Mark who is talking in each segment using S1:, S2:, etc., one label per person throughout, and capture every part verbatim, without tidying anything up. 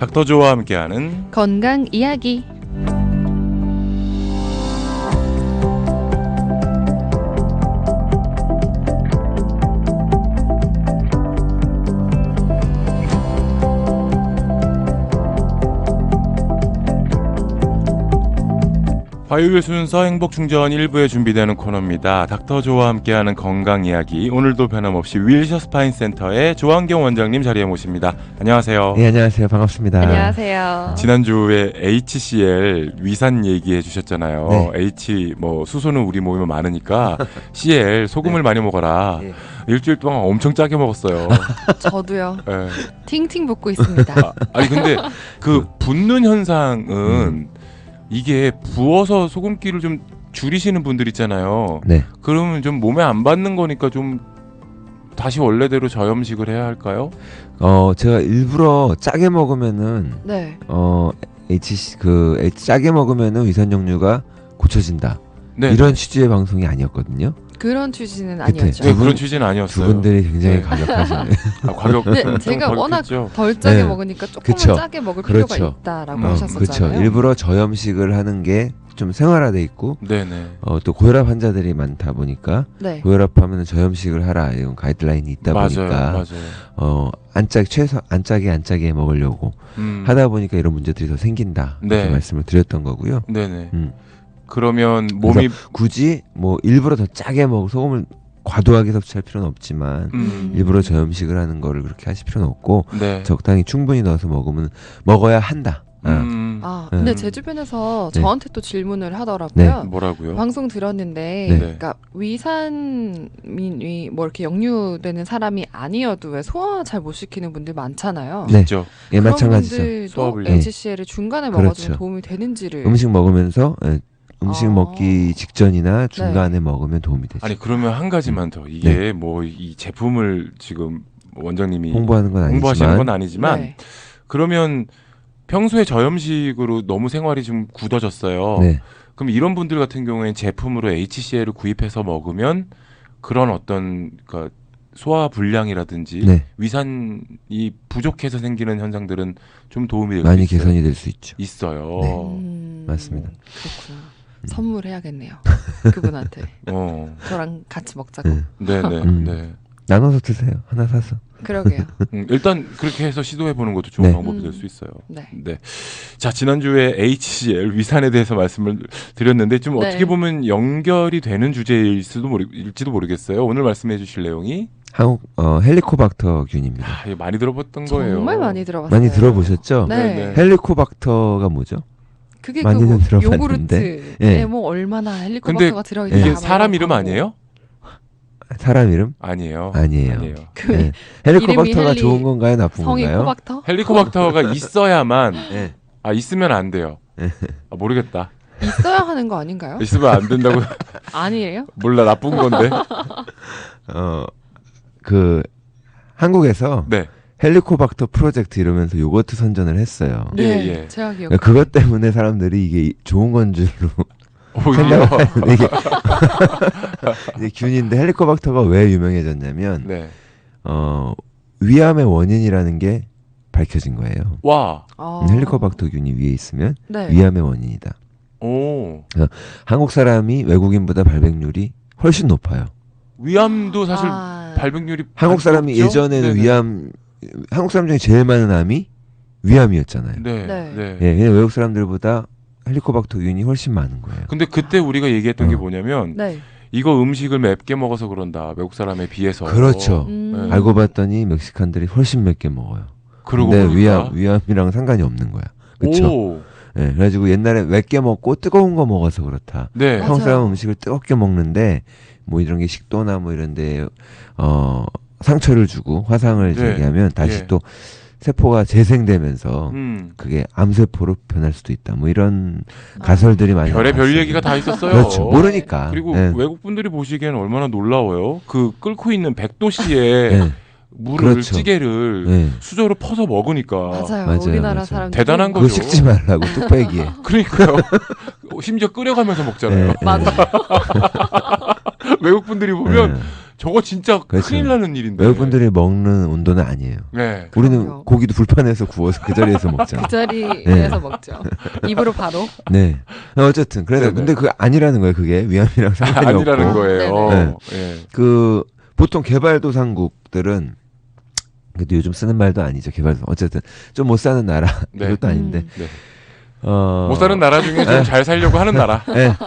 S1: 닥터조와 함께하는
S2: 건강 이야기.
S1: 화요일 순서 행복충전 일 부에 준비되는 코너입니다. 닥터조와 함께하는 건강 이야기. 오늘도 변함없이 윌셔 스파인 센터의 조한경 원장님 자리에 모십니다. 안녕하세요.
S3: 네, 안녕하세요. 반갑습니다.
S2: 안녕하세요.
S1: 지난주에 에이치씨엘 위산 얘기해 주셨잖아요.
S3: 네.
S1: H 뭐 수소는 우리 몸에 많으니까 씨엘 소금을
S3: 네.
S1: 많이 먹어라.
S3: 네.
S1: 일주일 동안 엄청 짜게 먹었어요.
S2: 저도요.
S1: 네.
S2: 팅팅 붓고 있습니다.
S1: 아, 아니 근데 그 붓는 현상은
S3: 음.
S1: 이게 부어서 소금기를 좀 줄이시는 분들 있잖아요.
S3: 네.
S1: 그러면 좀 몸에 안 받는 거니까 좀 다시 원래대로 저염식을 해야 할까요?
S3: 어, 제가 일부러 짜게 먹으면은
S2: 네.
S3: 어, H 그 H, 짜게 먹으면은 위산 역류가 고쳐진다.
S1: 네.
S3: 이런 취지의 방송이 아니었거든요.
S2: 그런 취지는
S3: 그때
S2: 아니었죠.
S1: 네,
S3: 두 분-
S1: 그런 취지는 아니었어요.
S3: 두 분들이 굉장히
S1: 네.
S3: 과격하시네.
S1: 아, 과격.
S2: 네,
S1: 좀
S2: 제가 워낙
S1: 과격했죠.
S2: 덜 짜게
S3: 네.
S2: 먹으니까 조금만
S3: 그쵸.
S2: 짜게 먹을 필요가
S3: 그렇죠.
S2: 있다라고
S1: 음,
S3: 그렇죠.
S2: 하셨었잖아요.
S3: 일부러 저염식을 하는 게 좀 생활화돼 있고
S1: 네네.
S3: 어, 또 고혈압 환자들이 많다 보니까
S2: 네.
S3: 고혈압하면은 저염식을 하라 이런 가이드라인이 있다
S1: 맞아요,
S3: 보니까
S1: 맞아요.
S3: 어, 안 짜, 최소 안 짜게 안 짜게 먹으려고
S1: 음,
S3: 하다 보니까 이런 문제들이 더 생긴다. 이렇게
S1: 네.
S3: 말씀을 드렸던 거고요.
S1: 네네.
S3: 음.
S1: 그러면 몸이
S3: 굳이 뭐 일부러 더 짜게 먹고 소금을 과도하게 섭취할 필요는 없지만
S1: 음,
S3: 일부러 저염식을 하는 거를 그렇게 하실 필요는 없고
S1: 네.
S3: 적당히 충분히 넣어서 먹으면 먹어야 한다. 아,
S1: 음,
S2: 아, 근데
S3: 음.
S2: 제 주변에서
S3: 네.
S2: 저한테 또 질문을 하더라고요.
S1: 뭐라고요?
S2: 방송 들었는데,
S3: 네.
S2: 그러니까 위산이 뭐 이렇게 역류되는 사람이 아니어도 왜 소화 잘 못 시키는 분들 많잖아요.
S3: 네.
S1: 있죠.
S3: 예,
S2: 그런
S3: 마찬가지죠.
S2: 분들도
S1: 소화불량.
S2: 에이치씨엘을 중간에 먹어주면
S3: 그렇죠.
S2: 도움이 되는지를.
S3: 음식 먹으면서 예, 음식
S2: 아.
S3: 먹기 직전이나 중간에 먹으면 도움이 되죠.
S1: 아니 그러면 한 가지만 더 이게 뭐 이 제품을 지금 원장님이
S3: 홍보하는 건
S1: 홍보하시는
S3: 아니지만
S1: 건 아니지만
S2: 네.
S1: 그러면 평소에 저염식으로 너무 생활이 좀 굳어졌어요.
S3: 네.
S1: 그럼 이런 분들 같은 경우에는 제품으로 에이치씨엘을 구입해서 먹으면 그런 어떤 그러니까 소화 불량이라든지
S3: 네.
S1: 위산이 부족해서 생기는 현상들은 좀 도움이 될
S3: 많이
S1: 수 있어요.
S3: 개선이 될 수 있죠.
S1: 있어요.
S3: 네.
S2: 음,
S3: 맞습니다.
S2: 그렇구나. 선물해야겠네요. 그분한테.
S1: 어,
S2: 저랑 같이 먹자고.
S3: 네.
S1: 네네.
S3: 음.
S1: 네.
S3: 나눠서 드세요. 하나 사서.
S2: 그러게요.
S1: 음, 일단 그렇게 해서 시도해 보는 것도 좋은
S3: 네.
S1: 방법이
S2: 음.
S1: 될 수 있어요.
S2: 네.
S1: 네. 자, 지난주에 에이치씨엘 위산에 대해서 말씀을 드렸는데 좀
S2: 네.
S1: 어떻게 보면 연결이 되는 주제일 수도 모르, 일지도 모르겠어요. 오늘 말씀해 주실 내용이
S3: 한국 어, 헬리코박터균입니다.
S1: 아, 이거 많이 들어봤던 거예요.
S2: 정말 많이 들어봤어요.
S3: 많이 들어보셨죠?
S2: 네.
S1: 네네.
S3: 헬리코박터가 뭐죠?
S2: 그게
S3: 많이는
S2: 그
S3: 들어봤는데.
S2: 요구르트에
S3: 예.
S2: 뭐 얼마나 헬리코박터가 들어있나.
S1: 이게
S2: 막
S1: 사람
S2: 이런
S1: 이름
S2: 광고.
S1: 아니에요?
S3: 사람 이름?
S1: 아니에요.
S3: 아니에요.
S1: 아니에요.
S2: 그
S3: 네. 헬리코박터가
S2: 헬리,
S3: 좋은 건가요? 나쁜
S2: 성이
S3: 건가요?
S2: 코박터?
S1: 헬리코박터가 있어야만
S3: 네.
S1: 아 있으면 안 돼요.
S3: 네.
S1: 아, 모르겠다.
S2: 있어야 하는 거 아닌가요?
S1: 있으면 안 된다고
S2: 아니에요?
S1: 몰라 나쁜 건데.
S3: 어, 그 한국에서
S1: 네.
S3: 헬리코박터 프로젝트 이러면서 요거트 선전을 했어요.
S1: 예,
S2: 네,
S1: 예.
S2: 제가 기억.
S3: 그러니까 그것 때문에 사람들이 이게 좋은 건 줄로
S1: 오히려
S3: 생각하는데 이게 이제 균인데 헬리코박터가 왜 유명해졌냐면
S1: 네.
S3: 어, 위암의 원인이라는 게 밝혀진 거예요.
S1: 와.
S2: 아.
S3: 음, 헬리코박터균이 위에 있으면
S2: 네.
S3: 위암의 원인이다.
S1: 오.
S3: 한국 사람이 외국인보다 발병률이 훨씬 높아요.
S1: 위암도 사실
S2: 아.
S1: 발병률이
S3: 한국 사람이
S1: 높죠?
S3: 예전에는
S1: 네네.
S3: 위암 한국 사람 중에 제일 많은 암이 위암이었잖아요.
S1: 네.
S2: 네.
S1: 네.
S3: 예, 그냥 외국 사람들보다 헬리코박터균이 훨씬 많은 거예요.
S1: 근데 그때 우리가 얘기했던 게
S3: 어.
S1: 뭐냐면
S2: 네.
S1: 이거 음식을 맵게 먹어서 그런다. 외국 사람에 비해서.
S3: 그렇죠.
S2: 음.
S1: 네.
S3: 알고 봤더니 멕시칸들이 훨씬 몇 개 먹어요.
S1: 그러고
S3: 근데
S1: 보니까.
S3: 위암 위암이랑 상관이 없는 거야. 그렇죠.
S1: 오.
S3: 예, 그래가지고 옛날에 몇 개 먹고 뜨거운 거 먹어서 그렇다.
S1: 네.
S2: 맞아요.
S3: 한국 사람 음식을 뜨겁게 먹는데 뭐 이런 게 식도나 뭐 이런데 어 상처를 주고 화상을
S1: 네.
S3: 제기하면 다시
S1: 예.
S3: 또 세포가 재생되면서
S1: 음.
S3: 그게 암세포로 변할 수도 있다. 뭐 이런 가설들이 많이
S1: 별의 별
S3: 나왔어요.
S1: 얘기가 다 있었어요.
S3: 그렇죠. 모르니까.
S1: 그리고
S3: 예.
S1: 외국 분들이 보시기에는 얼마나 놀라워요. 그 끓고 있는 백도씨에
S3: 예.
S1: 물을
S3: 그렇죠.
S1: 찌개를
S3: 예.
S1: 수저로 퍼서 먹으니까
S2: 맞아요.
S3: 맞아요,
S2: 우리나라
S3: 맞아요.
S2: 사람들
S1: 대단한
S3: 그거
S1: 거죠.
S3: 식지 말라고 뚝배기에.
S1: 그러니까요. 심지어 끓여가면서 먹잖아요.
S3: 예, 예.
S2: 맞아.
S1: 외국 분들이 보면
S3: 예.
S1: 저거 진짜
S3: 그렇죠.
S1: 큰일 나는 일인데.
S3: 외국분들이 먹는 온도는 아니에요.
S1: 네.
S3: 우리는
S2: 그럼요.
S3: 고기도 불판에서 구워서 그 자리에서 먹잖아.
S2: 그 자리에서 먹죠. 입으로 바로.
S3: 네. 어쨌든 그래서
S1: 네네.
S3: 근데 그 아니라는 거예요. 그게 위암이랑 상관이
S1: 아니라는
S3: 없고.
S1: 거예요.
S3: 네네.
S1: 예.
S3: 그 보통 개발도상국들은 그래도 요즘 쓰는 말도 아니죠. 개발도 어쨌든 좀 못 사는 나라
S1: 네.
S3: 이것도 아닌데.
S2: 음.
S1: 네.
S3: 어...
S1: 못 사는 나라 중에 좀 잘 살려고 하는 나라.
S3: 네.
S1: 네.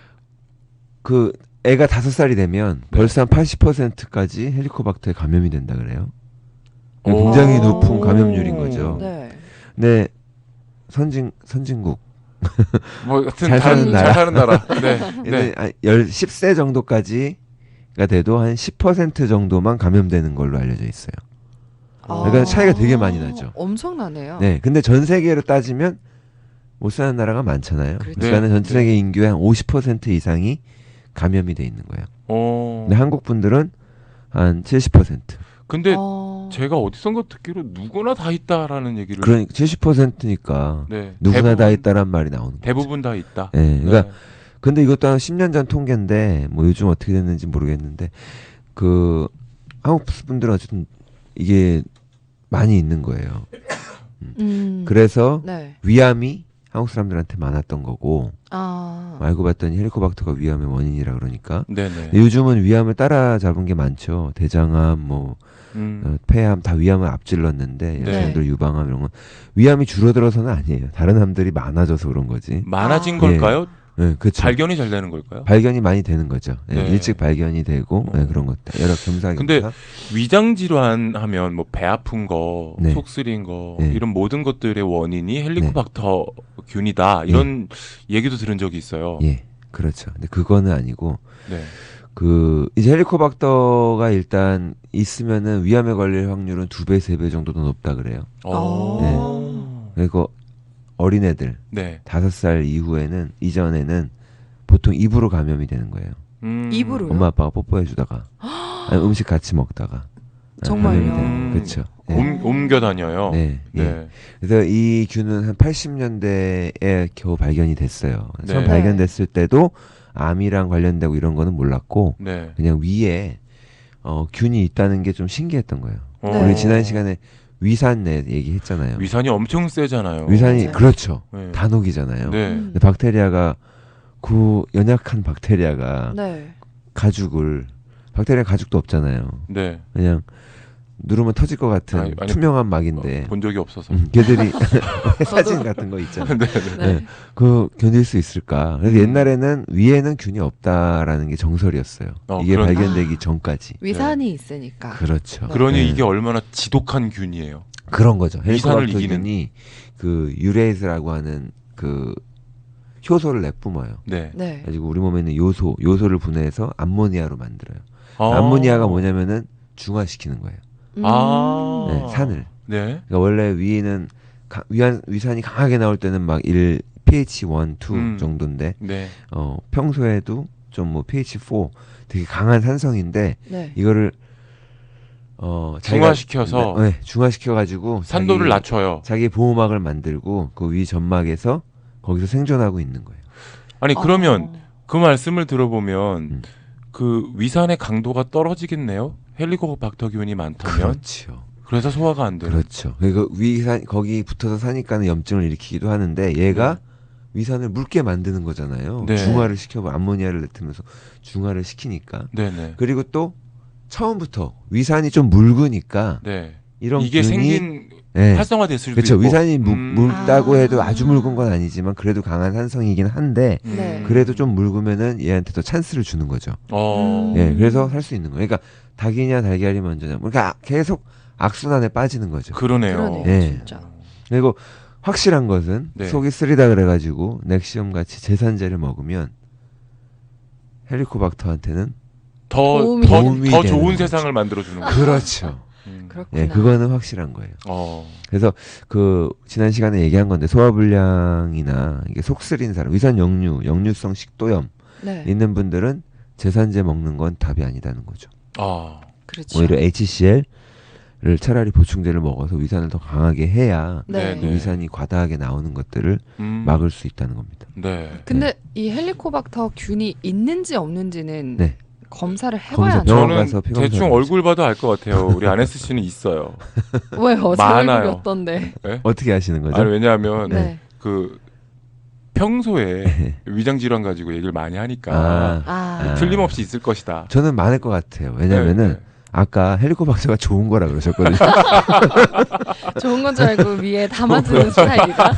S3: 그 애가 다섯 살이 되면
S1: 네.
S3: 벌써 한 팔십 퍼센트까지 헬리코박터에 감염이 된다 그래요.
S1: 오.
S3: 굉장히 높은 감염률인 거죠.
S2: 네.
S3: 근데 선진 선진국
S1: 뭐 하여튼
S3: 잘
S1: 다른-
S3: 사는 나라.
S1: 잘 사는 나라. 네. 네.
S3: 네. 한 열, 십 세 정도까지가 돼도 한 십 퍼센트 정도만 감염되는 걸로 알려져 있어요. 그러니까 차이가 되게 많이 나죠.
S2: 엄청나네요.
S3: 네. 근데 전 세계로 따지면 못 사는 나라가 많잖아요.
S2: 그렇죠.
S3: 그러니까는 전
S1: 네.
S3: 세계 인구의 한 오십 퍼센트 이상이 감염이 돼 있는 거예요.
S1: 어.
S3: 근데 한국 분들은 한 칠십 퍼센트.
S1: 근데
S2: 어...
S1: 제가 어디선가 듣기로 누구나 다 있다라는 얘기를.
S3: 그러니까 칠십 퍼센트니까
S1: 네.
S3: 누구나
S1: 대부분,
S3: 다 있다란 말이 나오는 거죠.
S1: 대부분 다 있다.
S3: 네. 그러니까
S1: 네.
S3: 근데 이것도 한 십 년 전 통계인데 뭐 요즘 어떻게 됐는지 모르겠는데 그 한국 분들은 어쨌든 이게 많이 있는 거예요.
S2: 음.
S3: 그래서
S2: 네.
S3: 위암이 한국 사람들한테 많았던 거고
S2: 아.
S3: 알고 봤더니 헬리코박터가 위암의 원인이라 그러니까
S1: 네네.
S3: 근데 요즘은 위암을 따라잡은 게 많죠. 대장암, 뭐
S1: 음.
S3: 어, 폐암 다 위암을 앞질렀는데
S1: 네.
S3: 여성들 유방암 이런 건 위암이 줄어들어서는 아니에요. 다른 암들이 많아져서 그런 거지.
S1: 많아진
S2: 아.
S1: 걸까요?
S3: 네, 그렇죠.
S1: 발견이 잘 되는 걸까요?
S3: 발견이 많이 되는 거죠. 예,
S1: 네.
S3: 일찍 발견이 되고
S1: 어.
S3: 예, 그런 것들 여러 겸사겸사.
S1: 근데 위장 질환 하면 뭐 배 아픈 거,
S3: 네.
S1: 속 쓰린 거
S3: 네.
S1: 이런 모든 것들의 원인이 헬리코박터 균이다. 이런 얘기도 들은 적이 있어요.
S3: 예, 그렇죠. 근데 그거는 아니고
S1: 네.
S3: 그 이제 헬리코박터가 일단 있으면은 위암에 걸릴 확률은 두 배, 세 배 정도 더 높다 그래요.
S1: 어.
S3: 그리고 어린애들
S1: 네.
S3: 다섯 살 이후에는 이전에는 보통 입으로 감염이 되는 거예요.
S1: 음.
S2: 입으로요?
S3: 엄마 아빠가 뽀뽀해 주다가 아니, 음식 같이 먹다가
S2: 정말요?
S3: 감염이 되는
S1: 음.
S3: 그렇죠. 네.
S1: 옮, 옮겨 다녀요.
S3: 네,
S1: 네.
S3: 예. 그래서 이 균은 한 팔십 년대에 겨우 발견이 됐어요. 처음
S1: 네.
S3: 발견됐을 때도 암이랑 관련되고 이런 거는 몰랐고
S1: 네.
S3: 그냥 위에 어, 균이 있다는 게 좀 신기했던 거예요.
S1: 어.
S2: 네.
S3: 우리 지난 시간에 위산내 얘기했잖아요.
S1: 위산이 엄청 세잖아요.
S3: 위산이
S2: 맞아요.
S3: 그렇죠.
S1: 네.
S3: 단옥이잖아요.
S1: 네.
S2: 음.
S3: 근데 박테리아가 그 연약한 박테리아가
S2: 네.
S3: 가죽을 박테리아 가죽도 없잖아요.
S1: 네.
S3: 그냥 누르면 터질 것 같은
S1: 아니, 아니,
S3: 투명한 막인데
S1: 어, 본 적이 없어서.
S3: 음, 걔들이 사진 같은 거 있잖아요.
S1: 네. 네.
S2: 네.
S3: 네. 그 견딜 수 있을까? 그래서
S1: 음.
S3: 옛날에는 위에는 균이 없다라는 게 정설이었어요.
S1: 어,
S3: 이게
S1: 그런-
S3: 발견되기 전까지.
S2: 위산이 있으니까.
S3: 그렇죠.
S1: 그러니
S3: 네.
S1: 이게 얼마나 지독한 균이에요.
S3: 그런 거죠.
S1: 위산을
S3: 헬리코박터
S1: 이기는.
S3: 균이 그 유레이스라고 하는 그 효소를 내뿜어요.
S1: 네.
S2: 네.
S3: 가지고 우리 몸에 있는 요소, 요소를 분해해서 암모니아로 만들어요.
S1: 아.
S3: 암모니아가 뭐냐면은 중화시키는 거예요.
S2: 음.
S1: 아.
S3: 네, 산을.
S1: 네.
S3: 그러니까 원래 위에는 가, 위안, 위산이 강하게 나올 때는 막 일, 피에이치 일, 이
S1: 음.
S3: 정도인데
S1: 네.
S3: 어, 평소에도 좀 뭐 피에이치 사 되게 강한 산성인데
S2: 네.
S3: 이거를 어, 자기가-
S1: 중화시켜서
S3: 네, 중화시켜 가지고
S1: 산도를 낮춰요.
S3: 자기 보호막을 만들고 그 위 점막에서 거기서 생존하고 있는 거예요.
S1: 아니 그러면
S2: 어.
S1: 그 말씀을 들어보면
S3: 음.
S1: 그 위산의 강도가 떨어지겠네요. 헬리코박터균이 많다면.
S3: 그렇죠.
S1: 그래서 소화가 안 되는.
S3: 그렇죠. 그리고 위산 거기 붙어서 사니까는 염증을 일으키기도 하는데 얘가 위산을 묽게 만드는 거잖아요.
S1: 네.
S3: 중화를 시켜 암모니아를 내트면서 중화를 시키니까.
S1: 네네.
S3: 그리고 또 처음부터 위산이 좀 묽으니까
S1: 네.
S3: 이런
S1: 이게
S3: 균이
S1: 생긴
S3: 네.
S1: 활성화될 수도
S3: 그렇죠.
S1: 있고.
S3: 위산이 묽,
S1: 음.
S3: 묽다고
S2: 아.
S3: 해도 아주 묽은 건 아니지만 그래도 강한 산성이긴 한데
S1: 음.
S2: 네.
S3: 그래도 좀 묽으면은 얘한테 더 찬스를 주는 거죠.
S1: 어.
S2: 음.
S3: 예, 그래서 살 수 있는 거예요. 그러니까 닭이냐 달걀이 먼저냐. 그러니까 계속 악순환에 빠지는 거죠.
S1: 그러네요.
S2: 그러네요.
S3: 네.
S2: 진짜.
S3: 그리고 확실한 것은
S1: 네.
S3: 속이 쓰리다 그래가지고 넥시엄 같이 제산제를 먹으면 헬리코박터한테는
S1: 더,
S2: 도움이
S1: 더,
S3: 되는
S1: 더
S3: 거죠.
S1: 좋은 세상을 만들어 주는 거예요.
S3: 그렇죠.
S1: 음.
S2: 그렇구나.
S3: 예, 그거는 확실한 거예요.
S1: 어.
S3: 그래서 그 지난 시간에 얘기한 건데 소화불량이나 이게 속 쓰린 사람, 위산 역류, 역류성 식도염
S2: 네.
S3: 있는 분들은 제산제 먹는 건 답이 아니다는 거죠.
S1: 아.
S2: 그렇죠.
S3: 오히려 에이치씨엘을 차라리 보충제를 먹어서 위산을 더 강하게 해야
S2: 네.
S3: 그 위산이 과다하게 나오는 것들을
S1: 음.
S3: 막을 수 있다는 겁니다.
S1: 네.
S2: 근데 이 헬리코박터 균이 있는지 없는지는
S3: 네.
S2: 검사를
S3: 거기서
S2: 해봐야죠.
S3: 병원
S1: 저는
S3: 가서 피검사를
S1: 대충
S3: 하죠.
S1: 얼굴 봐도 알 것 같아요. 우리 아네스 씨는 있어요.
S2: 왜요? 제
S1: 많아요.
S2: 얼굴이 어떤데?
S3: 어떻게 아시는 거죠?
S1: 아니 왜냐하면
S2: 네.
S1: 그 평소에 위장 질환 가지고 얘기를 많이 하니까
S3: 아,
S2: 아,
S1: 틀림없이 있을 것이다.
S3: 저는 많을 것 같아요. 왜냐면은
S1: 네, 네.
S3: 아까 헬리코박터가 좋은 거라 그러셨거든요.
S2: 좋은 건 줄 알고 위에 담아주는 스타일이다.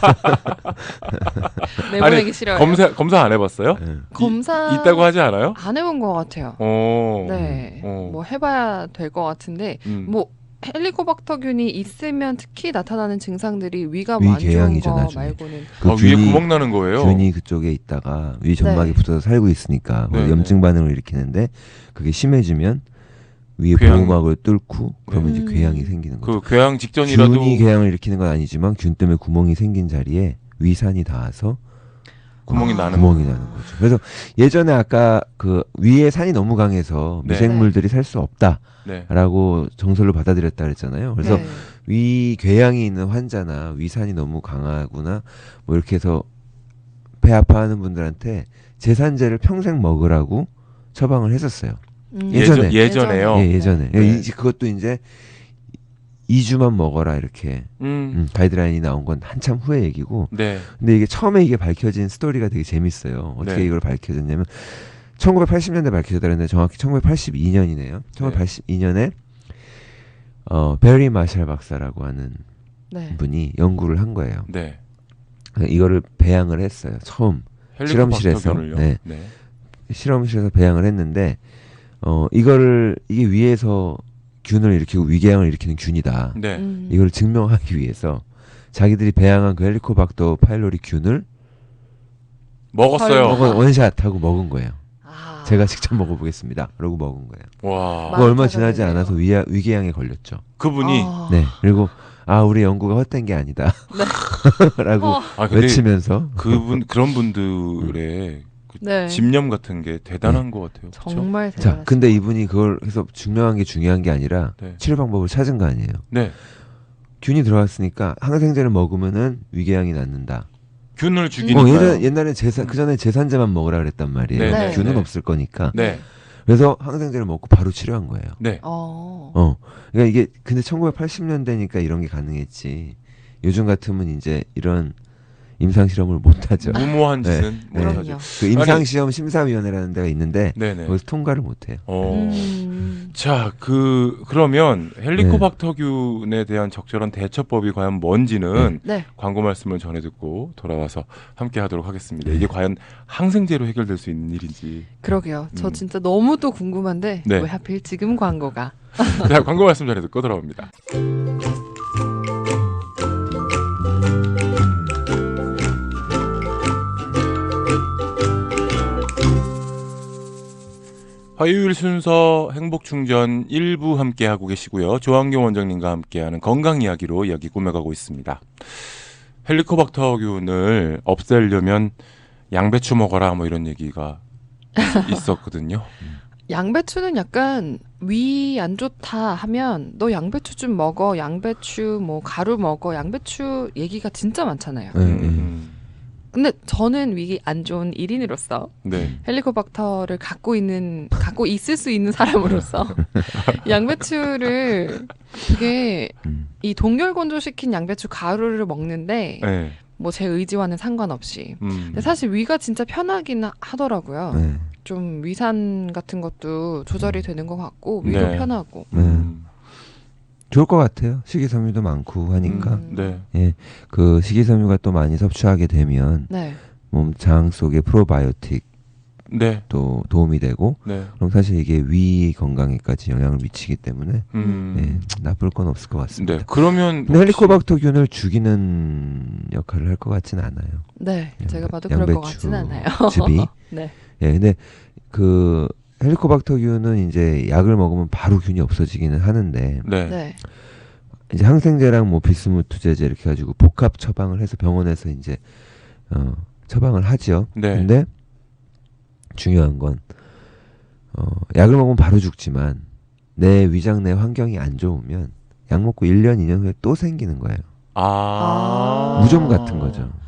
S2: 내보내기
S1: 아니,
S2: 싫어요.
S1: 검사 검사 안 해봤어요?
S3: 네.
S2: 검사
S1: 이, 있다고 하지 않아요?
S2: 안 해본 것 같아요.
S1: 어.
S2: 네,
S1: 어.
S2: 뭐 해봐야 될 것 같은데
S1: 음.
S2: 뭐 헬리코박터균이 있으면 특히 나타나는 증상들이 위가
S3: 위
S2: 안 좋은
S3: 궤양이죠,
S2: 거
S3: 나중에.
S2: 말고는
S3: 그
S1: 아, 위에 구멍 나는 거예요.
S3: 균이 그쪽에 있다가 위 점막에
S2: 네.
S3: 붙어서 살고 있으니까
S1: 네,
S3: 염증 반응을 일으키는데 그게 심해지면 위에
S1: 궤양.
S3: 보호막을 뚫고 그러면
S2: 네.
S3: 이제
S2: 음.
S3: 궤양이 생기는 거죠.
S1: 그 궤양 직전이라도
S3: 균이 궤양을 일으키는 건 아니지만 균 때문에 구멍이 생긴 자리에 위산이 닿아서
S1: 구멍이
S2: 아.
S1: 나는
S3: 구멍이
S1: 거예요.
S3: 나는 거죠. 그래서 예전에 아까 그 위에 산이 너무 강해서
S1: 네.
S3: 미생물들이 살 수 없다라고
S1: 네.
S3: 정설로 받아들였다 그랬잖아요. 그래서
S2: 네.
S3: 위 궤양이 있는 환자나 위산이 너무 강하구나 뭐 이렇게 해서 배 아파하는 분들한테 제산제를 평생 먹으라고 처방을 했었어요.
S2: 음.
S3: 예전에.
S1: 예전, 예전에요.
S3: 예, 예전에.
S1: 네.
S3: 이- 그것도 이제 이 주만 먹어라 이렇게
S1: 음.
S3: 음, 가이드라인이 나온 건 한참 후의 얘기고
S1: 네.
S3: 근데 이게 처음에 이게 밝혀진 스토리가 되게 재밌어요. 어떻게
S1: 네.
S3: 이걸 밝혀졌냐면 천구백팔십 년대 밝혀졌다 그랬는데 정확히 천구백팔십이 년이네요. 천구백팔십이 년에 어, 베리 마샬 박사라고 하는
S2: 네.
S3: 분이 연구를 한 거예요.
S1: 네.
S3: 이거를 배양을 했어요. 처음 실험실에서.
S1: 헬리코박터균을요.
S3: 네.
S1: 네.
S3: 실험실에서 배양을 했는데 어 이거를 이게 위에서 균을 일으키고 위궤양을 일으키는 균이다.
S1: 네.
S2: 음.
S3: 이걸 증명하기 위해서 자기들이 배양한 그 헬리코박터 파일로리 균을
S1: 먹었어요.
S2: 헐.
S3: 먹어 원샷하고 먹은 거예요.
S2: 아.
S3: 제가 직접 먹어보겠습니다. 그러고 먹은 거예요.
S1: 와.
S2: 마-
S3: 그 얼마
S2: 많이
S3: 지나지
S2: 찾아내네요.
S3: 않아서 위, 위궤양에 걸렸죠.
S1: 그분이
S2: 아.
S3: 네. 그리고 아 우리 연구가 헛된 게 아니다. 라고
S2: 어,
S1: 아 근데
S3: 외치면서
S1: 그분 그런 분들의 그
S2: 네.
S1: 집념 같은 게 대단한 것 같아요. 그쵸?
S2: 정말
S3: 자
S2: 대단하시다.
S3: 근데 이분이 그걸 해서 증명한 게 중요한 게 아니라
S1: 네.
S3: 치료 방법을 찾은 거 아니에요.
S1: 네.
S3: 균이 들어왔으니까 항생제를 먹으면은 위궤양이 낫는다.
S1: 균을
S3: 어,
S1: 죽이니까요.
S3: 예전 옛날에 제산 그 전에 제산제만 먹으라 그랬단 말이에요.
S1: 네,
S2: 네,
S3: 균은
S1: 네.
S3: 없을 거니까.
S1: 네.
S3: 그래서 항생제를 먹고 바로 치료한 거예요.
S1: 네.
S2: 어.
S3: 어. 그러니까 이게 근데 천구백팔십 년대니까 이런 게 가능했지. 요즘 같으면 이제 이런 임상 실험을 못 하죠.
S1: 무모한
S3: 네.
S1: 짓은
S3: 네.
S1: 못하죠.
S2: 그럼요.
S3: 그 임상 시험 심사위원회라는 데가 있는데
S1: 네네.
S3: 거기서 통과를 못 해요.
S1: 어.
S2: 음.
S1: 자, 그 그러면 헬리코박터균에 대한 적절한 대처법이 과연 뭔지는
S2: 네.
S1: 광고 말씀을 전해 듣고 돌아와서 함께 하도록 하겠습니다. 이게 과연 항생제로 해결될 수 있는 일인지.
S2: 그러게요. 저
S1: 음.
S2: 진짜 너무 또 궁금한데
S1: 네.
S2: 왜 하필 지금 광고가?
S1: 자, 광고 말씀 전해 듣고 돌아옵니다. 화요일 순서 행복충전 일 부 함께하고 계시고요. 조한경 원장님과 함께하는 건강 이야기로 이야기 꾸며가고 있습니다. 헬리코박터균을 없애려면 양배추 먹어라 뭐 이런 얘기가 있었거든요.
S2: 양배추는 약간 위 안 좋다 하면 너 양배추 좀 먹어. 양배추 뭐 가루 먹어. 양배추 얘기가 진짜 많잖아요.
S3: 네, 네.
S1: 음,
S2: 근데 저는 위 안 좋은 일인으로서
S1: 네.
S2: 헬리코박터를 갖고 있는 갖고 있을 수 있는 사람으로서 양배추를 되게
S3: 음.
S2: 이 동결 건조시킨 양배추 가루를 먹는데
S1: 네.
S2: 뭐 제 의지와는 상관없이
S1: 음.
S2: 근데 사실 위가 진짜 편하긴 하더라고요.
S3: 네.
S2: 좀 위산 같은 것도 조절이 되는 것 같고 위도
S1: 네.
S2: 편하고
S3: 네.
S1: 음.
S3: 좋을 것 같아요. 식이섬유도 많고 하니까.
S2: 음.
S1: 네.
S3: 예. 그 식이섬유가 또 많이 섭취하게 되면
S2: 네.
S3: 몸 장 속에 프로바이오틱도
S1: 네.
S3: 도움이 되고
S1: 네.
S3: 그럼 사실 이게 위 건강에까지 영향을 미치기 때문에
S1: 음.
S3: 네, 나쁠 건 없을 것 같습니다.
S1: 네. 그러면
S3: 근데 헬리코박터균을 죽이는 역할을 할 것 같지는 않아요.
S2: 네,
S3: 양배-
S2: 제가 봐도 그럴 것
S3: 양배추
S2: 같진 않아요.
S3: 즙이.
S2: 네.
S3: 예, 근데 그 헬리코박터균은 이제 약을 먹으면 바로 균이 없어지기는 하는데
S1: 네.
S2: 네.
S3: 이제 항생제랑 뭐 비스무투제제 이렇게 가지고 복합 처방을 해서 병원에서 이제 어, 처방을 하죠.
S1: 네.
S3: 근데 중요한 건 어, 약을 먹으면 바로 죽지만 내 위장 내 환경이 안 좋으면 약 먹고 일 년, 이 년 후에 또 생기는 거예요.
S1: 아.
S2: 아.
S3: 무좀 같은 거죠.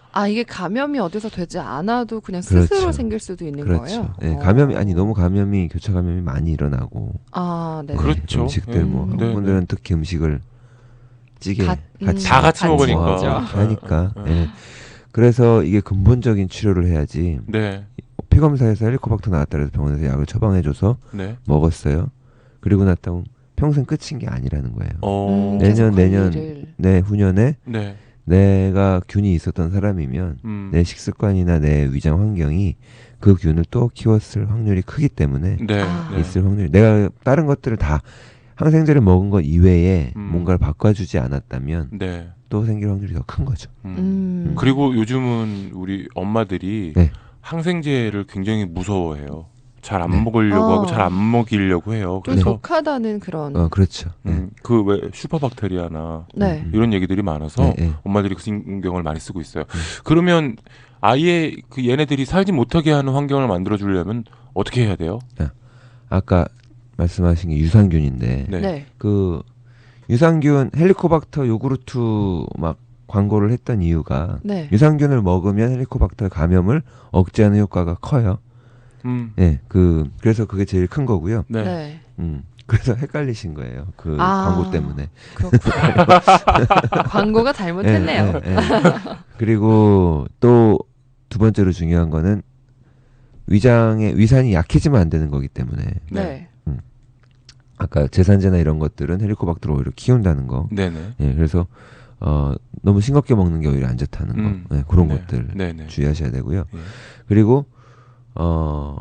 S2: 아 이게 감염이 어디서 되지 않아도 그냥
S3: 그렇죠.
S2: 스스로 생길 수도 있는
S3: 그렇죠.
S2: 거예요.
S3: 예,
S2: 어.
S3: 감염이 아니 너무 감염이 교차 감염이 많이 일어나고
S2: 아 네.
S1: 그렇죠.
S3: 음식들 뭐
S2: 음.
S3: 한국 분들은 특히 음식을 찌개
S2: 가-
S3: 같이
S2: 음,
S1: 다 같이 먹으니까.
S3: 먹고 하니까
S1: 어, 어.
S3: 예. 그래서 이게 근본적인 치료를 해야지.
S1: 네,
S3: 피 검사에서 헬리코박터 나왔다 그래서 병원에서 약을 처방해줘서
S1: 네.
S3: 먹었어요. 그리고 났다 평생 끝인 게 아니라는 거예요.
S1: 어,
S2: 음,
S3: 내년,
S2: 계속
S3: 내년.
S2: 관리를.
S3: 내 후년에
S1: 네,
S3: 내가 균이 있었던 사람이면
S1: 음,
S3: 내 식습관이나 내 위장 환경이 그 균을 또 키웠을 확률이 크기 때문에
S1: 네,
S2: 아.
S1: 네.
S3: 있을 확률이 내가 다른 것들을 다 항생제를 먹은 것 이외에
S1: 음.
S3: 뭔가를 바꿔주지 않았다면
S1: 네.
S3: 또 생길 확률이 더 큰 거죠.
S1: 음.
S2: 음.
S1: 그리고 요즘은 우리 엄마들이
S3: 네.
S1: 항생제를 굉장히 무서워해요. 잘 안
S3: 네.
S1: 먹으려고
S2: 어.
S1: 하고 잘 안 먹이려고 해요.
S2: 좀
S1: 그래서
S2: 독하다는 그런.
S3: 어 그렇죠. 네.
S1: 음, 그 왜 슈퍼박테리아나
S2: 네.
S3: 음.
S1: 이런 얘기들이 많아서
S3: 네, 네.
S1: 엄마들이 그 신경을 많이 쓰고 있어요.
S3: 음.
S1: 그러면 아예 그 얘네들이 살지 못하게 하는 환경을 만들어 주려면 어떻게 해야 돼요?
S3: 아까 말씀하신 게 유산균인데
S1: 네.
S2: 네.
S3: 그 유산균 헬리코박터 요구르트 막 광고를 했던 이유가
S2: 네.
S3: 유산균을 먹으면 헬리코박터 감염을 억제하는 효과가 커요.
S1: 음.
S3: 예, 그 그래서 그게 제일 큰 거고요.
S1: 네.
S2: 네.
S3: 음, 그래서 헷갈리신 거예요. 그
S2: 아.
S3: 광고 때문에.
S2: 그렇군요. 광고가 잘못했네요.
S3: 예, 예, 예. 그리고 또 두 번째로 중요한 거는 위장의 위산이 약해지면 안 되는 거기 때문에
S2: 네.
S3: 아까 제산제나 이런 것들은 헬리코박터를 오히려 키운다는 거.
S1: 네네.
S3: 예, 그래서 어, 너무 싱겁게 먹는 게 오히려 안 좋다는 거.
S1: 음.
S3: 예, 그런
S1: 네.
S3: 것들
S1: 네네.
S3: 주의하셔야 되고요.
S1: 예.
S3: 그리고 어,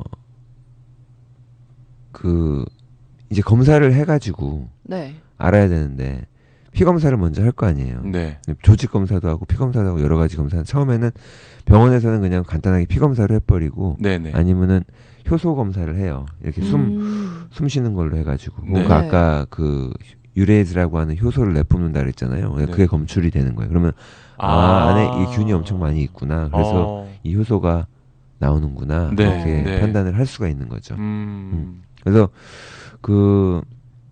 S3: 그 이제 검사를 해가지고
S2: 네.
S3: 알아야 되는데 피 검사를 먼저 할 거 아니에요.
S1: 네.
S3: 조직 검사도 하고 피 검사도 하고 여러 가지 검사. 처음에는 병원에서는 그냥 간단하게 피 검사를 해버리고
S1: 네네.
S3: 아니면은 효소 검사를 해요. 이렇게 숨
S2: 음.
S3: 숨 쉬는 걸로 해가지고.
S1: 네.
S3: 그 아까 그 유레이즈라고 하는 효소를 내뿜는다 그랬잖아요.
S1: 네.
S3: 그게 검출이 되는 거예요. 그러면 아, 안에 이 균이 엄청 많이 있구나. 그래서
S1: 어.
S3: 이 효소가 나오는구나.
S1: 네,
S3: 이렇게
S1: 네.
S3: 판단을 할 수가 있는 거죠.
S1: 음.
S3: 그래서 그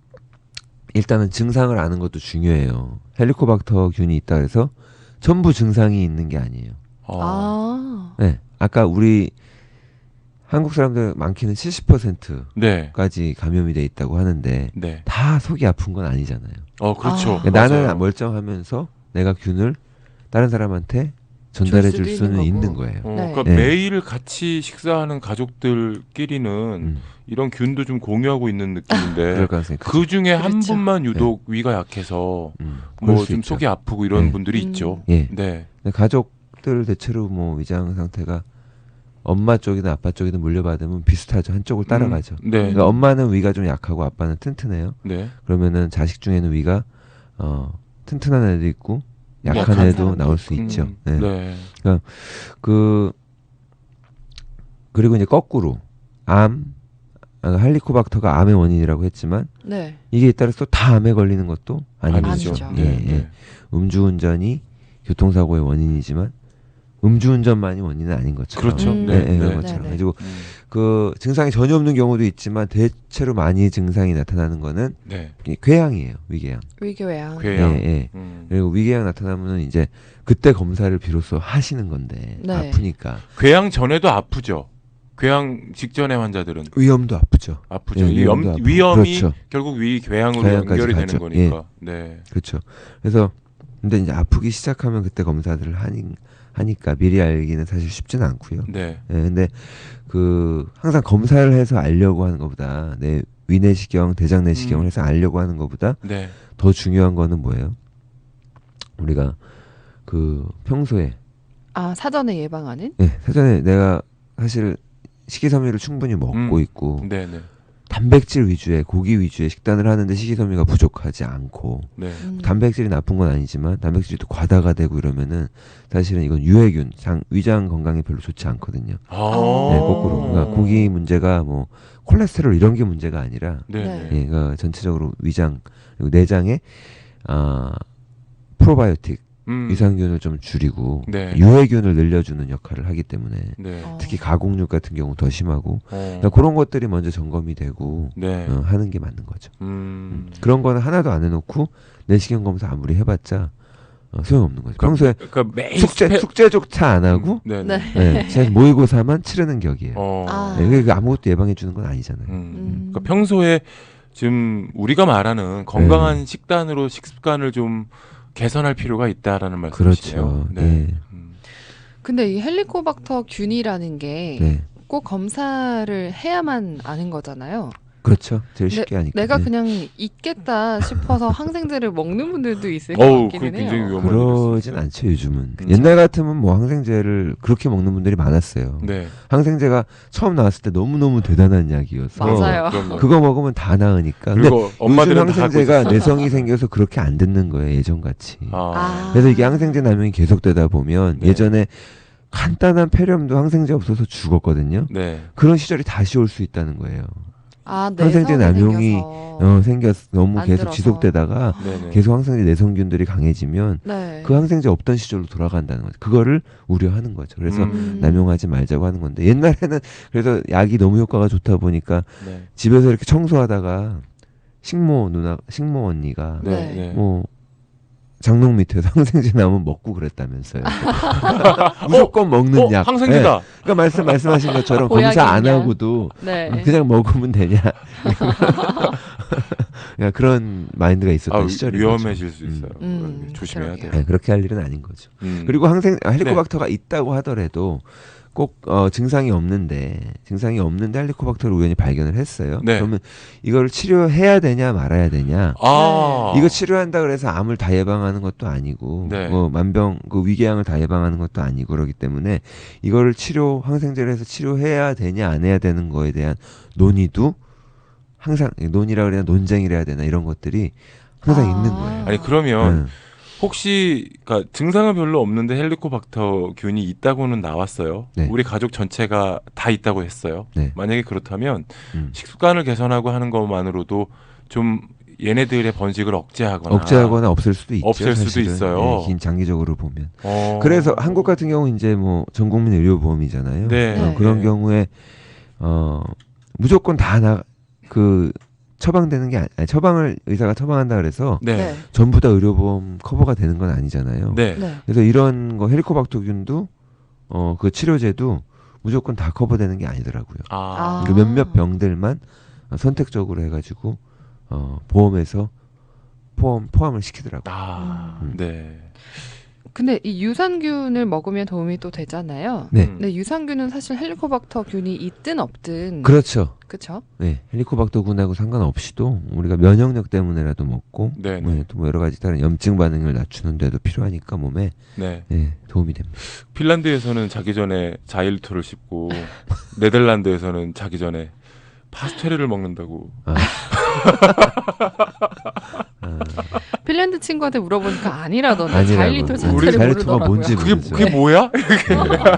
S3: 일단은 증상을 아는 것도 중요해요. 헬리코박터 균이 있다 그래서 전부 증상이 있는 게 아니에요.
S1: 어.
S2: 아.
S3: 네. 아까 우리 한국 사람들 많게는 칠십 퍼센트까지
S1: 네.
S3: 감염이 돼 있다고 하는데
S1: 네.
S3: 다 속이 아픈 건 아니잖아요.
S1: 어, 그렇죠.
S2: 아.
S3: 그러니까 나는
S1: 맞아요.
S3: 멀쩡하면서 내가 균을 다른 사람한테 전달해 줄
S2: 줄 수도
S3: 수는
S2: 있는
S3: 있는
S2: 거고.
S3: 거예요.
S1: 어,
S2: 네.
S1: 그러니까
S3: 네.
S1: 매일 같이 식사하는 가족들끼리는
S3: 음,
S1: 이런 균도 좀 공유하고 있는
S3: 그럴
S1: 느낌인데
S3: 가능성이 크죠.
S1: 그 중에 한
S2: 그렇죠.
S1: 분만 유독 위가 약해서
S3: 음, 그럴
S1: 뭐
S3: 수
S1: 좀
S3: 있죠.
S1: 속이 아프고 이런
S3: 네.
S1: 분들이
S2: 음.
S1: 있죠.
S3: 예.
S1: 네.
S3: 근데 가족들 대체로 뭐 위장 상태가 엄마 쪽이든 아빠 쪽이든 물려받으면 비슷하죠. 한쪽을 따라가죠.
S1: 음, 네.
S3: 그러니까 엄마는 위가 좀 약하고 아빠는 튼튼해요.
S1: 네.
S3: 그러면은 자식 중에는 위가 어, 튼튼한 애도 있고 약한
S2: 약한
S3: 애도
S2: 사람도
S3: 나올 수
S1: 음,
S3: 있죠.
S1: 네.
S3: 네. 그 그리고 이제 거꾸로 암 아, 할리코박터가 암의 원인이라고 했지만
S2: 네.
S3: 이게 잇따라서 또 다 암에 걸리는 것도 아니죠.
S2: 아니죠.
S3: 예,
S1: 네.
S3: 예.
S1: 네.
S3: 음주운전이 교통사고의 원인이지만 음주운전만이 원인은 아닌 것처럼.
S1: 그렇죠.
S2: 음.
S3: 네,
S1: 네.
S3: 네, 그런
S1: 네.
S3: 것처럼.
S2: 네, 네.
S3: 그리고
S1: 음,
S3: 그 증상이 전혀 없는 경우도 있지만 대체로 많이 증상이 나타나는 거는
S1: 네.
S3: 이 궤양이에요. 위궤양.
S2: 위궤양.
S1: 궤양.
S3: 예, 예.
S1: 음.
S3: 그리고 위궤양 나타나면은 이제 그때 검사를 비로소 하시는 건데
S2: 네.
S3: 아프니까
S1: 궤양 전에도 아프죠. 궤양 직전의 환자들은
S3: 위험도 아프죠.
S1: 아프죠.
S3: 예,
S1: 이 염-
S3: 위험도 아프고.
S1: 위험이
S3: 그렇죠.
S1: 결국 위 궤양으로
S3: 궤양까지
S1: 연결이
S3: 가죠.
S1: 되는 거니까. 네.
S3: 그렇죠. 그래서 근데 이제 아프기 시작하면 그때 검사들을 하니, 하니까 미리 알기는 사실 쉽지는 않고요.
S1: 네.
S3: 예, 근데 그 항상 검사를 해서 알려고 하는 것보다 내 위내시경, 대장내시경을
S1: 음.
S3: 해서 알려고 하는 것보다
S1: 네.
S3: 더 중요한 거는 뭐예요? 우리가 그 평소에
S2: 아 사전에 예방하는?
S3: 예, 사전에 내가 사실 식이섬유를 충분히 먹고
S1: 음.
S3: 있고
S1: 네, 네.
S3: 단백질 위주의 고기 위주의 식단을 하는데 식이섬유가 부족하지 않고
S1: 네.
S2: 음.
S3: 단백질이 나쁜 건 아니지만 단백질이 또 과다가 되고 이러면은 사실은 이건 유해균, 장, 위장 건강에 별로 좋지 않거든요.
S1: 아.
S3: 네, 거꾸로. 그러니까 고기 문제가 뭐 콜레스테롤 이런 게 문제가 아니라
S1: 네.
S2: 네.
S1: 네.
S3: 예, 그러니까 전체적으로 위장 그리고 내장에 아 프로바이오틱
S1: 음.
S3: 유산균을 좀 줄이고
S1: 네.
S3: 유해균을 늘려주는 역할을 하기 때문에
S1: 네.
S2: 어.
S3: 특히 가공육 같은 경우 더 심하고
S1: 어.
S3: 그러니까 그런 것들이 먼저 점검이 되고
S1: 네.
S3: 어, 하는 게 맞는 거죠.
S1: 음.
S3: 그런 거는 하나도 안 해놓고 내시경 검사 아무리 해봤자 어, 소용없는 거죠.
S1: 그럼-
S3: 평소에
S1: 그러니까 매일
S3: 숙제
S1: 스페-
S3: 숙제조차 안 하고
S1: 네.
S2: 네.
S3: 네, 제가 모의고사만 치르는 격이에요.
S1: 어.
S2: 아.
S3: 네, 그게 아무것도 예방해 주는 건 아니잖아요.
S1: 음.
S2: 음.
S1: 그러니까 평소에 지금 우리가 말하는 건강한 식단으로 식습관을 좀 개선할 필요가 있다라는 말씀이시네요.
S3: 그렇죠.
S1: 네.
S3: 네.
S1: 음.
S2: 근데 이 헬리코박터 균이라는 게 꼭
S3: 네.
S2: 검사를 해야만 아는 거잖아요.
S3: 그렇죠. 제일
S2: 네,
S3: 쉽게 하니까.
S2: 내가
S3: 네.
S2: 그냥 있겠다 싶어서 항생제를 먹는 분들도 있을 것
S1: 어우,
S2: 같기는
S1: 그게 굉장히
S2: 해요.
S1: 위험한
S3: 그러진
S1: 일일 수
S3: 않죠 요즘은.
S1: 음.
S3: 옛날 같으면 뭐 항생제를 그렇게 먹는 분들이 많았어요.
S1: 네.
S3: 항생제가 처음 나왔을 때 너무 너무 대단한 약이어서
S2: 맞아요.
S1: 그럼요.
S3: 그거 먹으면 다 나으니까. 근데
S1: 그리고 엄마들은
S3: 요즘
S1: 다 갖고
S3: 항생제가
S1: 있었어요.
S3: 내성이 생겨서 그렇게 안 듣는 거예요 예전 같이.
S1: 아.
S2: 아.
S3: 그래서 이게 항생제 남용이 계속되다 보면
S1: 네.
S3: 예전에 간단한 폐렴도 항생제 없어서 죽었거든요.
S1: 네.
S3: 그런 시절이 다시 올 수 있다는 거예요.
S2: 아,
S3: 항생제
S2: 내성이
S3: 남용이
S2: 생겨서.
S3: 어, 생겼 너무
S2: 안
S3: 계속
S2: 들어서.
S3: 지속되다가
S1: 네네.
S3: 계속 항생제 내성균들이 강해지면
S2: 네.
S3: 그 항생제 없던 시절로 돌아간다는 거죠. 그거를 우려하는 거죠. 그래서
S1: 음.
S3: 남용하지 말자고 하는 건데 옛날에는 그래서 약이 너무 효과가 좋다 보니까
S1: 네.
S3: 집에서 이렇게 청소하다가 식모 누나, 식모 언니가
S1: 네.
S2: 네.
S1: 네.
S3: 뭐 장롱 밑에서 항생제 나오면 먹고 그랬다면서요. 무조건 먹는
S1: 어,
S3: 약.
S1: 항생제다.
S3: 네. 그러니까 말씀 말씀하신 것처럼
S2: 보약인
S3: 검사 안
S2: 약.
S3: 하고도
S2: 네.
S3: 그냥 먹으면 되냐. 그러니까 그런 마인드가 있었던
S1: 아,
S3: 시절이
S1: 위험해질 수 있어요.
S2: 음,
S1: 조심해야
S2: 그러게요.
S1: 돼요.
S3: 네, 그렇게 할 일은 아닌 거죠.
S1: 음.
S3: 그리고 항생 아, 헬리코박터가 있다고 하더라도 꼭 어, 증상이 없는데 증상이 없는데 헬리코박터를 우연히 발견을 했어요.
S1: 네.
S3: 그러면 이걸 치료해야 되냐 말아야 되냐?
S1: 아.
S3: 이거 치료한다 그래서 암을 다 예방하는 것도 아니고
S1: 네.
S3: 뭐 만병 그 위궤양을 다 예방하는 것도 아니고 그렇기 때문에 이거를 치료 항생제를 해서 치료해야 되냐 안 해야 되는 거에 대한 논의도 항상 논의라 그래야 논쟁이라 해야 되나 이런 것들이 항상
S2: 아.
S3: 있는 거예요.
S1: 아니 그러면
S3: 네.
S1: 혹시 그러니까 증상은 별로 없는데 헬리코박터균이 있다고는 나왔어요.
S3: 네.
S1: 우리 가족 전체가 다 있다고 했어요.
S3: 네.
S1: 만약에 그렇다면
S3: 음.
S1: 식습관을 개선하고 하는 것만으로도 좀 얘네들의 번식을 억제하거나
S3: 억제하거나 없앨 수도 있죠.
S1: 없앨 수도
S3: 사실은.
S1: 있어요.
S3: 네, 긴 장기적으로 보면.
S1: 어.
S3: 그래서 한국 같은 경우 이제 뭐 전국민 의료보험이잖아요.
S1: 네.
S3: 어, 그런
S1: 네.
S3: 경우에 어 무조건 다 나 그 처방되는 게 아니, 아니, 처방을 의사가 처방한다 그래서
S1: 네.
S2: 네.
S3: 전부 다 의료보험 커버가 되는 건 아니잖아요.
S1: 네.
S2: 네.
S3: 그래서 이런 거 헬리코박터균도 어 그 치료제도 무조건 다 커버되는 게 아니더라고요.
S1: 아.
S3: 그 몇몇 병들만 어, 선택적으로 해가지고 어 보험에서 포함 포함을 시키더라고요.
S1: 아.
S3: 음.
S1: 네.
S2: 근데 이 유산균을 먹으면 도움이 또 되잖아요.
S3: 네,
S1: 음.
S2: 근데 유산균은 사실 헬리코박터균이 있든 없든
S3: 그렇죠.
S2: 그쵸?
S3: 네, 헬리코박터균하고 상관없이도 우리가 면역력 때문에라도 먹고
S1: 네.
S3: 네, 또 뭐 여러 가지 다른 염증 반응을 낮추는 데도 필요하니까 몸에
S1: 네.
S3: 네, 도움이 됩니다.
S1: 핀란드에서는 자기 전에 자일토를 씹고 네덜란드에서는 자기 전에 파스텔을 먹는다고.
S3: 아. 아,
S2: 핀란드 친구한테 물어보니까 아니라던데
S3: 아니라고.
S2: 자일리톨
S1: 우리
S2: 자체를
S3: 자일리톨가
S2: 모르더라고요.
S3: 뭔지
S1: 그게
S3: 모르죠.
S1: 그게 뭐야?
S3: 네,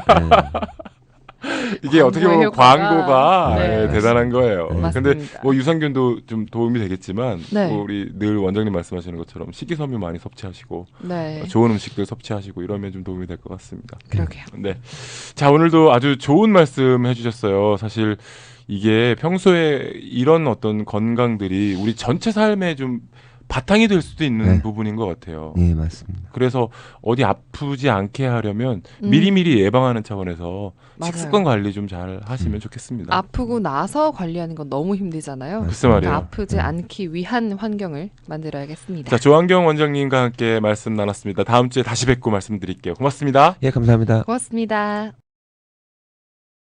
S3: 네.
S1: 이게 어떻게 보면
S2: 광고의 효과가.
S1: 광고가
S2: 네.
S1: 예, 대단한 거예요.
S3: 네.
S1: 근데
S2: 맞습니다.
S1: 뭐 유산균도 좀 도움이 되겠지만
S2: 네.
S1: 뭐 우리 늘 원장님 말씀하시는 것처럼 식이섬유 많이 섭취하시고
S2: 네.
S1: 좋은 음식들 섭취하시고 이러면 좀 도움이 될 것 같습니다.
S2: 그러게요.
S1: 네. 자, 오늘도 아주 좋은 말씀 해주셨어요. 사실 이게 평소에 이런 어떤 건강들이 우리 전체 삶에 좀 바탕이 될 수도 있는
S3: 네.
S1: 부분인 것 같아요.
S3: 네, 맞습니다.
S1: 그래서 어디 아프지 않게 하려면
S2: 음.
S1: 미리미리 예방하는 차원에서
S2: 맞아요.
S1: 식습관 관리 좀 잘 하시면
S3: 음.
S1: 좋겠습니다.
S2: 아프고 나서 관리하는 건 너무 힘들잖아요.
S1: 글쎄 말이에요.
S2: 그러니까 아프지
S3: 음.
S2: 않기 위한 환경을 만들어야겠습니다.
S1: 자, 조한경 원장님과 함께 말씀 나눴습니다. 다음 주에 다시 뵙고 말씀드릴게요. 고맙습니다.
S3: 예, 감사합니다.
S2: 고맙습니다.